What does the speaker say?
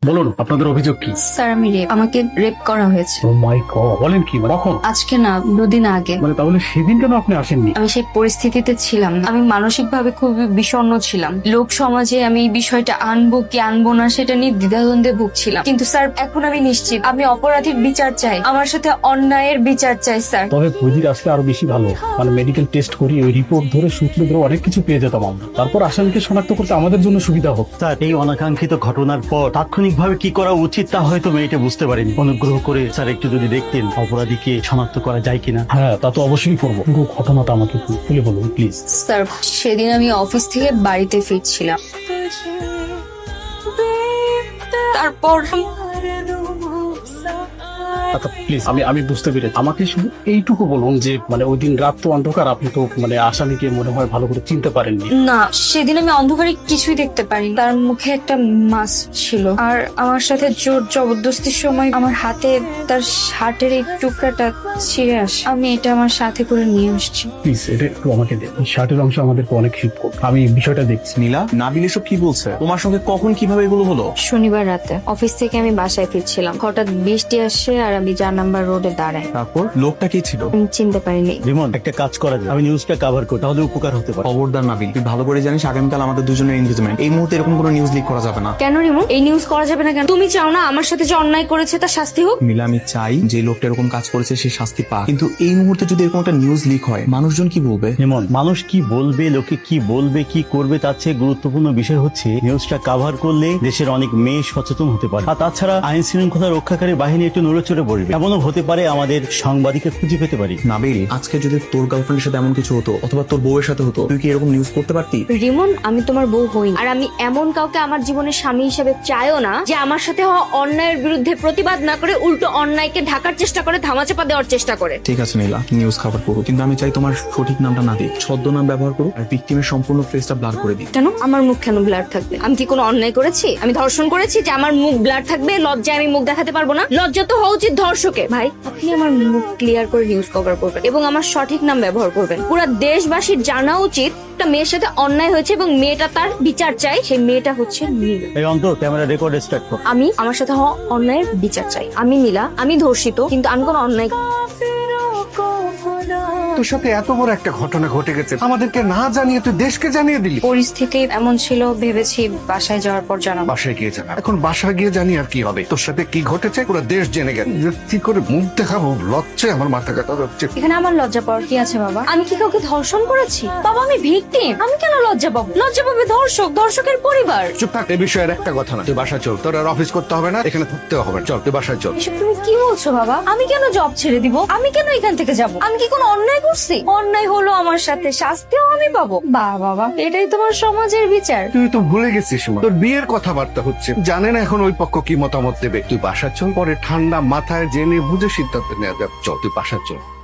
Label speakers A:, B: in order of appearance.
A: বলুন আপনাদের অভিযোগ কি?
B: স্যার আমি আমাকে রেপ করা হয়েছে।
A: ও মাই গড, বলেন কি? কখন?
B: আজকে না, 2 দিন আগে।
A: তাহলে সেদিন কেন আপনি আসেননি?
B: আমি সেই পরিস্থিতিতে ছিলাম না। আমি মানসিক ভাবে খুবই বিষণ্ণ ছিলাম। লোক সমাজে আমি এই বিষয়টা আনবো কি আনবো না সেটা নিয়ে দ্বিধাদ্বন্দ্বে ভুগছিলাম। কিন্তু স্যার এখন আমি নিশ্চিত, আমি অপরাধীর বিচার চাই, আমার সাথে অন্যায়ের বিচার চাই স্যার।
A: তবে বৈদিক আসলে আরো বেশি ভালো, মেডিকেল টেস্ট করি ওই রিপোর্ট ধরে সূত্র ধরে অনেক কিছু পেয়ে যেতাম আমরা। তারপর আসামিকে শনাক্ত করতে আমাদের জন্য সুবিধা হোক।
C: স্যার, এই অনাকাঙ্ক্ষিত ঘটনার পর তাৎক্ষণিকভাবে কি করা উচিত তা হয়তো মেয়েটা বুঝতে পারেনি। অনুগ্রহ করে স্যার একটু যদি দেখতেন অপরাধীকে শনাক্ত করা যায় কিনা।
A: হ্যাঁ, তা তো অবশ্যই করবো। পুরো ঘটনাটা আমাকে খুলে বলুন প্লিজ।
B: স্যার সেদিন আমি অফিস থেকে বাড়িতে ফিরছিলাম। তারপর
A: আচ্ছা প্লিজ, আমি বুঝতে পেরেছি। আমাকে শুধু এইটুকু বলুন যে ওই দিন রাত তো অন্ধকার, আপনি তো আসামিকে মনে হয় ভালো করে চিনতে পারেননি।
B: না, সেদিন আমি অন্ধকারে কিছুই দেখতে পারি। তার মুখে একটা মাস্ক ছিল, আর আমার সাথে জোর জবরদস্তির সময় আমার হাতে তার শার্টের এই টুকরাটা ছিঁড়ে আসে। আমি এটা আমার সাথে করে নিয়ে আসছি।
A: প্লিজ এটা একটু আমাকে দেন। এই শার্টের অংশ আমাদেরকে অনেক হেল্প করবে। আমি বিষয়টা দেখছি।
D: নীলা, নাবিল এসব কি বলছে? তোমার সঙ্গে কখন কিভাবে এগুলো হলো?
B: শনিবার রাতে অফিস থেকে আমি বাসায় ফিরছিলাম, হঠাৎ বৃষ্টি আসে আর আমি 4 নাম্বার রোডে দাঁড়াই।
D: তারপর লোকটা কে ছিল?
B: আমি চিনতে পারিনি।
C: রিমন, একটা কাজ করা যায়, আমি নিউজটা কভার করি, তাহলে উপকার হতে পারে।
D: খবরদার নাবিল, তুই ভালো করে জানিস আগামীকাল আমাদের দুজনের এনগেজমেন্ট। এই মুহূর্তে এরকম কোনো নিউজ লিক করা যাবে না।
B: কেন রিমন, এই নিউজ করা যাবে না কেন? তুমি চাও না আমার সাথে যে অন্যায় করেছে তার শাস্তি হোক?
D: নীলা, আমি চাই যে লোকটা এরকম কাজ করেছে সে শাস্তি পাক, কিন্তু এই মুহূর্তে যদি এরকম একটা নিউজ লিক হয় মানুষজন কি বলবে?
C: রিমন, মানুষ কি বলবে, লোকে কি বলবে, কি করবে, তার চেয়ে গুরুত্বপূর্ণ বিষয় হচ্ছে নিউজটা কভার করলে দেশের অনেক মেয়ে সচেতন হতে পারে। আর তাছাড়া আইন শৃঙ্খলা রক্ষাকারী বাহিনী একটু নড়েচড়ে পড়বে। এমনও হতে পারে আমাদের সাংবাদিককে খুঁজে পেতে পারি।
D: নাবিল, আজকে যদি তোর গার্লফ্রেন্ডের সাথে এমন কিছু হতো অথবা তোর বউয়ের সাথে হতো, তুই কি এরকম নিউজ করতে পারতি?
B: রিমন, আমি তোমার বউ হই, আর আমি এমন কাউকে আমার জীবনের স্বামী হিসেবে চাইও না যে আমার সাথে হওয়া অন্যায়ের বিরুদ্ধে প্রতিবাদ না করে উল্টো অন্যায়কে ঢাকার চেষ্টা করে, ধামাচাপা দেওয়ার চেষ্টা করে।
D: ঠিক আছে নীলা, নিউজ কভার করো, কিন্তু আমি চাই তোমার সঠিক নামটা না দিই, ছদ্মনাম ব্যবহার করো আর ভিকটিমের সম্পূর্ণ ফেসটা ব্লার করে দিই।
B: কেন? আমার মুখ কেন ব্লার থাকবে? আমি কি কোনো অন্যায় করেছি? আমি ধর্ষণ করেছি যে আমার মুখ ব্লার থাকবে? লজ্জায় আমি মুখ দেখাতে পারবো না? লজ্জা তো হওয়া উচিত ধর্ষকের। ভাই, আপনি আমার মুখ ক্লিয়ার করে নিউজ কভার করবেন এবং আমার সঠিক নাম ব্যবহার করবেন। পুরো দেশবাসীর জানা উচিত একটা মেয়ের সাথে অন্যায় হয়েছে এবং মেয়েটা তার বিচার চাই। সেই মেয়েটা হচ্ছে নীলা।
C: এই অন্ত, ক্যামেরা রেকর্ড স্টার্ট কর।
B: আমি আমার সাথে হওয়া অন্যায়ের বিচার চাই। আমি নীলা, আমি ধর্ষিত, কিন্তু আমি কোনো অন্যায়।
E: তোর সাথে এত বড় একটা ঘটনা ঘটে গেছে, আমাদেরকে না জানিয়ে তুই দেশকে জানিয়ে দিলি।
B: পরিস্থিতি এমন ছিল, ভেবেছি বাসায় যাওয়ার পর জানাবো।
E: বাসায় গিয়ে জানা। এখন বাসায় গিয়ে জানি আর কি হবে? তোর সাথে কি ঘটেছে পুরো দেশ জেনে গেছে। কি করে মুখ দেখাবো? লজ্জায় আমার মাথা কাটা যাচ্ছে।
B: এখানে আমার লজ্জা পাওয়ার কি আছে বাবা? আমি কি কাউকে ধর্ষণ করেছি? বাবা আমি ভিকটিম, আমি কেন লজ্জা পাবো? লজ্জা পাবে ধর্ষক, ধর্ষকের পরিবার।
E: চুপ থাক, এ বিষয়ের একটা কথা না। তুই বাসায় চল, তোর আর অফিস করতে হবে না, এখানে থাকতে হবে না। চল তুই বাসায় চল।
B: এসব তুমি কি বলছো বাবা? আমি কেন জব ছেড়ে দিব? আমি কেন এখান থেকে যাব? আমি কি কোনো অন্যায় করছি? অন্যায় হলো আমার সাথে, শাস্তিও আমি পাবো। বাবা, এটাই তোমার সমাজের বিচার?
E: তুই তো ভুলে গেছিস মা, তোর বিয়ের কথাবার্তা হচ্ছে, জানে না এখন ওই পক্ষ কি মতামত দেবে। তুই বাসায় চল, পরে ঠান্ডা মাথায় জেনে বুঝে সিদ্ধান্ত নেওয়া যাবে। চল তুই বাসায় চল।